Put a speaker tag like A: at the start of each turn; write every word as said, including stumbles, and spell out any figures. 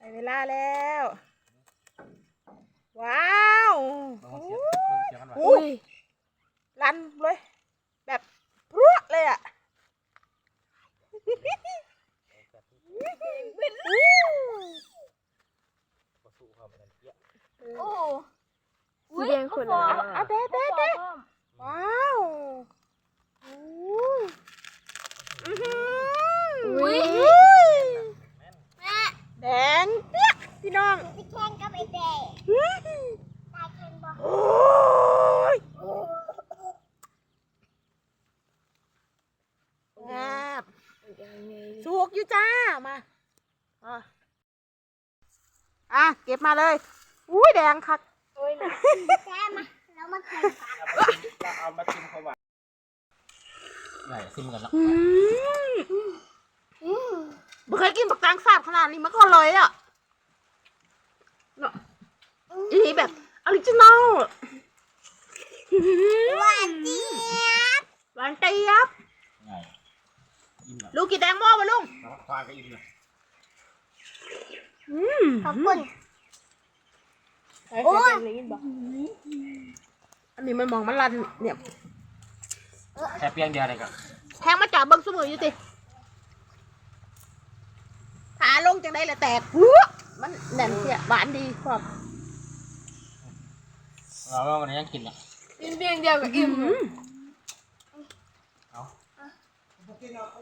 A: ได้เวลาแล้วว้าวอุ้ยรันเลยแบบพรวดเลยอ่ะ
B: โอ้
C: สีแดงคนละ
A: อ่ะเตะเตะเตะว้าวอุ้ย
B: แม่
A: แดงเปี้ยพี่น้อง
B: ไปแข่งกับไอ้เด็กตายแข่งบ่
A: โอ้ยแอบสุกอยู่จ้ามาอ่ะอ่ะเก็บมาเลยอุ้ยแดงคัก
B: โอ้ยนะแก้มาแล้วมาแข่งกัน
D: เอามาชิมเขาว่าใหญ่ซิมกันแล้ว
A: อืมไม่เคยกินปักแตงแซ่บขนาดนี้มาก่อนเลยอ่ะเนาะอันนี้แบบออริจินอล
B: หวานเจี๊ยบ
A: หวานเจี๊ยบ
D: ใหญ่อิ่มแล้ว
A: ลูกกินแตงโมมาลุง
D: แล้วควายก็อิ่มเลย
A: อืม
B: ขอบคุณ
A: โอ้ยอันนี้มันมองมันรันเนี่ย
D: แค่เพียงเดียวเลยกับ
A: แทงมาจับเบิ้งสมืออยู่สิขาลงจังได้ละแตกหัวมันแน่นเสียหวานดีครับ
D: เราว่าวันนี้ยังกินอ่ะ
C: กินเพียงเดียวกับอิ่ม
D: เอา